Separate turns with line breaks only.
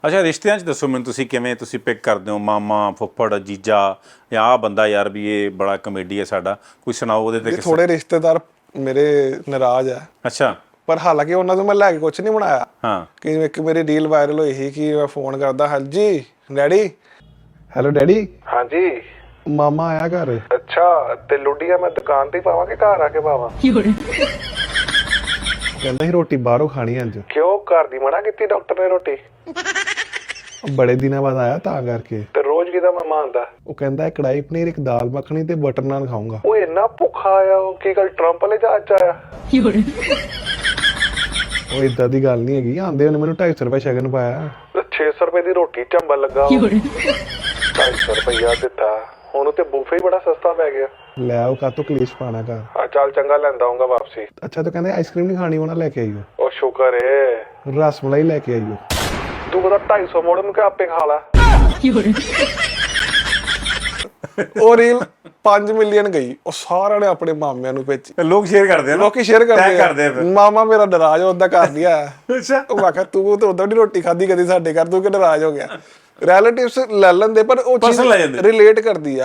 ਅੱਛਾ ਰਿਸ਼ਤਿਆਂ 'ਚ ਦੱਸੋ ਮੈਨੂੰ ਤੁਸੀਂ ਕਿਵੇਂ ਤੁਸੀਂ ਪਿਕ ਕਰਦੇ ਹੋ ਮਾਮਾ ਫੁੱਫੜ ਜੀਜਾ ਜਾਂ ਆਹ ਬੰਦਾ ਯਾਰ ਵੀ ਇਹ ਬੜਾ ਕਮੇਡੀ ਹੈ ਸਾਡਾ ਕੋਈ ਸੁਣਾਓ ਉਹਦੇ ਤੇ
ਥੋੜੇ ਰਿਸ਼ਤੇਦਾਰ ਮੇਰੇ ਨਾਰਾਜ਼ ਆ
ਅੱਛਾ
ਪਰ ਹਾਲਾਂਕਿ ਉਹਨਾਂ ਤੋਂ ਮੈਂ ਲੈ ਕੇ ਕੁਝ ਨਹੀਂ ਬਣਾਇਆ
ਹਾਂ
ਕਿ ਇੱਕ ਮੇਰੀ ਰੀਲ ਵਾਇਰਲ ਹੋਈ ਸੀ ਕਿ ਮੈਂ ਫੋਨ ਕਰਦਾ ਹਾਂਜੀ ਡੈਡੀ ਹੈਲੋ ਡੈਡੀ
ਹਾਂਜੀ
ਮਾਮਾ ਆਇਆ ਘਰ
ਅੱਛਾ ਤੇ ਲੁੱਡੀਆਂ ਮੈਂ ਦੁਕਾਨ ਤੇ ਪਾਵਾਂ ਕਿ ਘਰ ਆ ਕੇ ਪਾਵਾਂ
ਕਹਿੰਦਾ ਸੀ ਰੋਟੀ ਬਾਹਰੋਂ ਖਾਣੀ ਅੱਜ
ਕਿਉਂ ਘਰ ਦੀ ਮਨਾ ਕੀਤੀ ਡਾਕਟਰ ਨੇ ਰੋਟੀ
ਬੜੇ ਦਿਨਾਂ ਬਾਅਦ ਆਇਆ ਤਾਂ ਕਰਕੇ
ਤੇ ਰੋਜ਼ ਕਿਦਾ ਮਾਮਾ ਆਂਦਾ
ਉਹ ਕਹਿੰਦਾ ਇੱਕ ਕੜਾਈ ਪਨੀਰ ਇੱਕ ਦਾਲ ਮੱਖਣੀ ਤੇ ਬਟਰ ਨਾਨ ਖਾਊਂਗਾ
ਉਹ ਇੰਨਾ ਭੁੱਖਾ ਆਇਆ ਉਹ ਕੀ ਗੱਲ ਟਰੰਪ ਵਾਲੇ ਜਹਾਜ਼ ਚ ਆਇਆ
ਉਹ ਇਦਾਂ ਦੀ ਗੱਲ ਨਹੀਂ ਹੈਗੀ ਆਂਦੇ ਉਹਨੇ ਮੈਨੂੰ 250 ਰੁਪਏ ਸ਼ਗਨ ਪਾਇਆ
ਤੇ 600 ਰੁਪਏ ਦੀ ਰੋਟੀ ਚੰਬਲ ਲੱਗਾ 250 ਰੁਪਇਆ ਦਿੱਤਾ ਹੁਣ ਤੇ ਬੂਫੇ ਹੀ ਬੜਾ ਸਸਤਾ ਪੈ ਗਿਆ
ਲੈ ਉਹ ਕਾਤੋਂ ਕਲੇਸ਼ ਪਾਣਾ ਘਰ
ਆ ਚੱਲ ਚੰਗਾ ਲੈਂਦਾ ਆਉਂਗਾ ਵਾਪਸੀ
ਅੱਛਾ ਤਾਂ ਕਹਿੰਦੇ ਆਈਸਕ੍ਰੀਮ ਨਹੀਂ ਖਾਣੀ ਉਹਨਾਂ ਲੈ ਕੇ ਆਈਓ
ਉਹ ਸ਼ੁਕਰ ਏ
ਰਸ ਮਲਾਈ ਲੈ ਕੇ ਆਈਓ
ਤੂੰ ਬਤਾ 250 ਮੋੜ ਨੂੰ ਕਿ ਆਪੇ ਖਾ ਲਾ
ਉਹ ਰੀਲ 5 ਮਿਲੀਅਨ ਗਈ ਉਹ ਸਾਰਿਆਂ ਨੇ ਆਪਣੇ ਮਾਮਿਆਂ ਨੂੰ ਭੇਜੀ
ਲੋਕ ਸ਼ੇਅਰ ਕਰਦੇ ਆ ਨਾ
ਲੋਕੀ ਸ਼ੇਅਰ
tag
ਕਰਦੇ
ਆ ਫਿਰ।
ਮਾਮਾ ਮੇਰਾ ਨਾਰਾਜ਼ ਉਦਾਂ ਕਰ ਦਿਆ
ਅੱਛਾ
ਉਹ ਆਖਿਆ ਤੂੰ ਤੇ ਉਦਾਂ ਦੀ ਰੋਟੀ ਖਾਧੀ ਕਦੀ ਸਾਡੇ ਘਰ ਤੂੰ ਕਿ ਨਾਰਾਜ਼ ਹੋ ਗਿਆ ਰਿਲੇਟਿਵਸ ਲੈ ਲੈਂਦੇ ਪਰ ਉਹ
Personal ਲੈ ਜਾਂਦੇ।
ਰਿਲੇਟ ਕਰਦੀ ਆ